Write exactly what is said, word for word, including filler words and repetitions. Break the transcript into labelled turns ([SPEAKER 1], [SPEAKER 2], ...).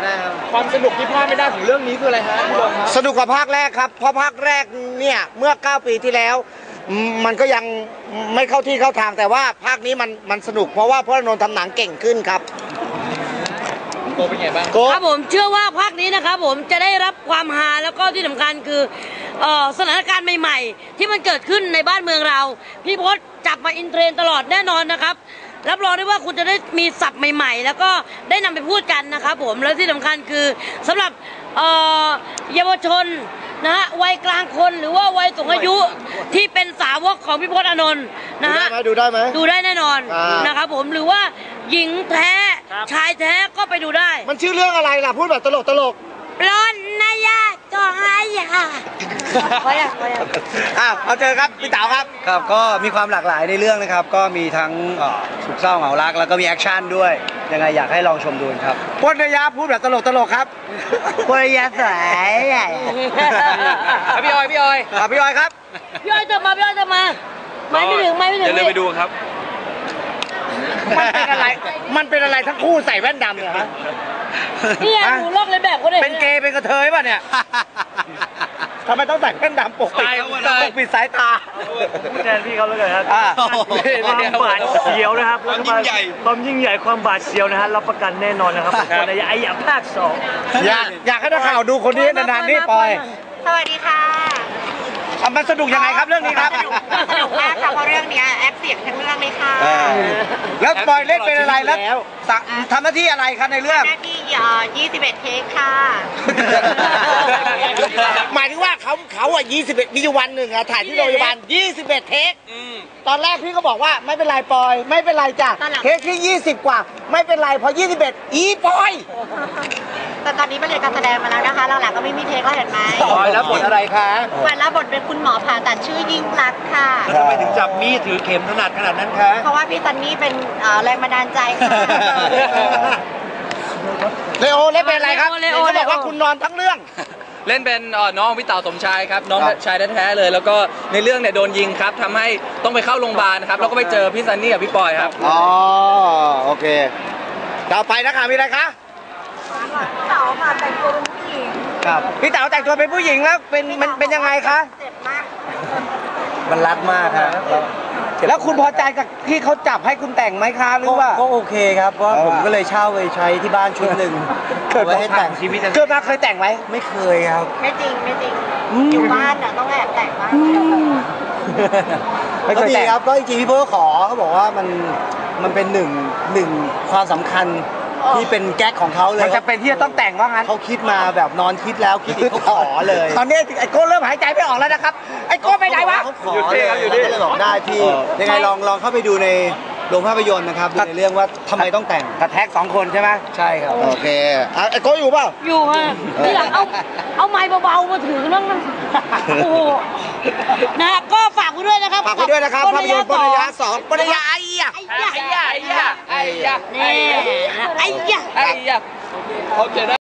[SPEAKER 1] ความสนุกที่พลาดไม่ได้ของเรื่องนี้คืออะไรฮะพี่บงครับ
[SPEAKER 2] สนุกกว่าภาคแรกครับเพราะภาคแรกเนี่ยเมื่อเก้าปีที่แล้วมันก็ยังไม่เข้าที่เข้าทางแต่ว่าภาคนี้มันมันสนุกเพราะว่าพลนนท์ทำหนังเก่งขึ้นครับ
[SPEAKER 1] โกเป็นไงบ้าง
[SPEAKER 3] ครับผมเชื่อว่าภาคนี้นะครับผมจะได้รับความฮาแล้วก็ที่สำคัญคือสถานการณ์ใหม่ๆที่มันเกิดขึ้นในบ้านเมืองเราพี่พศจับมาอินเทรนตลอดแน่นอนนะครับรับรองได้ว่าคุณจะได้มีศัพท์ใหม่ๆแล้วก็ได้นำไปพูดกันนะครับผมแล้วที่สำคัญคือสำหรับเยาวชนนะฮะวัยกลางคนหรือว่าวัยสูงอายุที่เป็นสาวกของพี่พศอานนท์นะฮะ
[SPEAKER 2] ดูได้ไหม
[SPEAKER 3] ดูได้แน่นอนนะครับผมหรือว่าหญิงแท้ชายแท้ก็ไปดูได้
[SPEAKER 2] มันชื่อเรื่องอะไรล่ะพูดแบบตลกตลก
[SPEAKER 3] ร้อนนายาจองนายาพอแล้วพอแล้ว
[SPEAKER 2] อ้าวเอาเจอครับพี่เต๋าครับ
[SPEAKER 4] ครับก็มีความหลากหลายในเรื่องนะครับก็มีทั้งสุขเศร้าเหงารักแล้วก็มีแอคชั่นด้วยยังไงอยากให้ลองชมดูครับ
[SPEAKER 2] พจนยาพูดแบบตลกตลกครับ
[SPEAKER 4] พจนยาสวย
[SPEAKER 1] พี่ออยพี่ออย
[SPEAKER 2] พี่ออยครับ
[SPEAKER 3] พี่ออยจะมาพี่ออยจะมาไม่ไม่ถึงไม่ไม่ถึง
[SPEAKER 1] อย่าลืมไปดูครับ
[SPEAKER 2] มันเป็นอะไรมันเป็นอะไรทั้งคู่ใส่แว่นดำเนี่ยฮะ
[SPEAKER 3] นี่ยหนูลอกเลยแบบก็ได้
[SPEAKER 2] เป็นเกย์เป็นกระเทยป่ะเนี่ยทำไมต้องใส่แว่นดำปกปิดปกปิดสายตา
[SPEAKER 5] พูดแทนพี่เขาแล้วกันครับความบาดเสียวนะครับความยิ่งใหญ่ความยิ่งใหญ่ความบาดเสียวนะฮะรับประกันแน่นอนนะครับคนในไอ้ภาคสอง
[SPEAKER 2] อยากอยากให้นักข่าวดูคนนี้นานๆนี่ปอย
[SPEAKER 6] สวัสดีค่ะ
[SPEAKER 2] มันสนุกยังไงครับเรื่องนี้ครับ
[SPEAKER 6] สนุกมากค่ะเพราะเรื่องนี้แอปเสียงทั้งเรื่องเลยค่ะ
[SPEAKER 2] แล้วปอยเล่นเป็นอะไรแล้วทำหน้าที่อะไรครับในเรื่อง
[SPEAKER 6] หน้าที่ยี่สิบเอ็ดเทคค่ะ
[SPEAKER 2] หมายถึงว่าเขาเขาอ่ะยี่สิบเอ็ดมีอยู่วันหนึ่งอ่ะถ่ายที่โรงพยาบาลยี่สิบเอ็ดเทคตอนแรกพี่ก็บอกว่าไม่เป็นไรปอยไม่เป็นไรจ้ะเทคที่ยี่สิบกว่าไม่เป็นไรพอยี่สิบเอ็ดอีปอย
[SPEAKER 6] แต่ตอนนี้มาเรียนการแสดงมาแล้วนะคะหลังๆก็ไม่มีเทคแล้วเห็นไหม
[SPEAKER 2] ปอยแล้วบทอะไรคะ
[SPEAKER 6] ปอยแล้วบทเป็นคุณหมอผ่าตัดชื่อยิ่งรักค่ะ
[SPEAKER 2] ทำไมถึงจับมีดถือเข็มถนัดขนาดนั้นคะ
[SPEAKER 6] เพราะว่าพี่ซันนี่เป็นแรงบันดาลใจค่ะ
[SPEAKER 2] เลโอเล่นเป็นอะไรครับเขาบอกว่าคุณนอนทั้งเรื่อง
[SPEAKER 1] เล่นเป็นน้องพี่เต๋าสมชายครับน้องชายแท้ๆเลยแล้วก็ในเรื่องเนี่ยโดนยิงครับทำให้ต้องไปเข้าโรงพยาบาลครับแล้วก็ไปเจอพี่ซันนี่กับพี่ปอยครับ
[SPEAKER 2] อ๋อโอเคต่อไปนะคะมีอะไรคะ
[SPEAKER 6] พี่เต๋าค่ะแต่งตัวเป็นผู้หญิง
[SPEAKER 2] ครับพี่เต๋าแต่งตัวเป็นผู้หญิงแล้วเป็นมันเป็นยังไงคะ
[SPEAKER 6] เจ็บมาก
[SPEAKER 4] มันรัดมากครับ
[SPEAKER 2] แล้วคุณพอใจกับที่เขาจับให้คุณแต่งไหมคะหรือว่า
[SPEAKER 4] ก็โอเคครับเพราะผมก็เลยเช่าไปใช้ที่บ้านชุดหนึ่ง
[SPEAKER 2] เกิดมาให้แต่งชีวิตเกิดมาเคยแต่งไหม
[SPEAKER 4] ไม่เคยครับ
[SPEAKER 6] ไม่จริงไม่จริงอยู่บ้านน่ะต้องแอบแต่งบ้าง
[SPEAKER 4] ก็ดีครับก็จริงๆพี่เพื่อขอเขาบอกว่ามันมันเป็นหนึ่งหนึ่งความสำคัญที่เป็นแก๊กของเขาเลย
[SPEAKER 2] มันจะเป็นที่จะต้องแต่งว่างั้น
[SPEAKER 4] เขาคิดมาแบบนอนคิดแล้วคิดอีกเขาขอเลย
[SPEAKER 2] ตอนนี้ไอ้โก้เริ่มหายใจไม่ออกแล้วนะครับไอ้โก้ไปไหนวะ
[SPEAKER 4] เขาขอเลยเขาเลยบอกได้พี่ยังไงลองลองเข้าไปดูในโรงภาพยนตร์นะครับดูในเรื่องว่าทำไมต้องแต่ง
[SPEAKER 2] กระแทกสองคนใช่ไหม
[SPEAKER 4] ใช่ครับ
[SPEAKER 2] โอเคไอ้โก้อยู่เปล่า
[SPEAKER 3] อยู่ฮะที่หลังเอาเอาไม้เบาๆมาถือนั่งโอ้โหนะก็ฝากไว้ด้วยนะครับ
[SPEAKER 2] ฝากไว้ด้วยนะครับภาพยนตร์ปริยาสองปริยาไอ้ยะ
[SPEAKER 3] ไอ้ยะ
[SPEAKER 1] ไอ้ยะไอ้ยะไอ้ยะ
[SPEAKER 3] นี่ไอ้ยะ
[SPEAKER 1] ไอ้ยะเขาจะ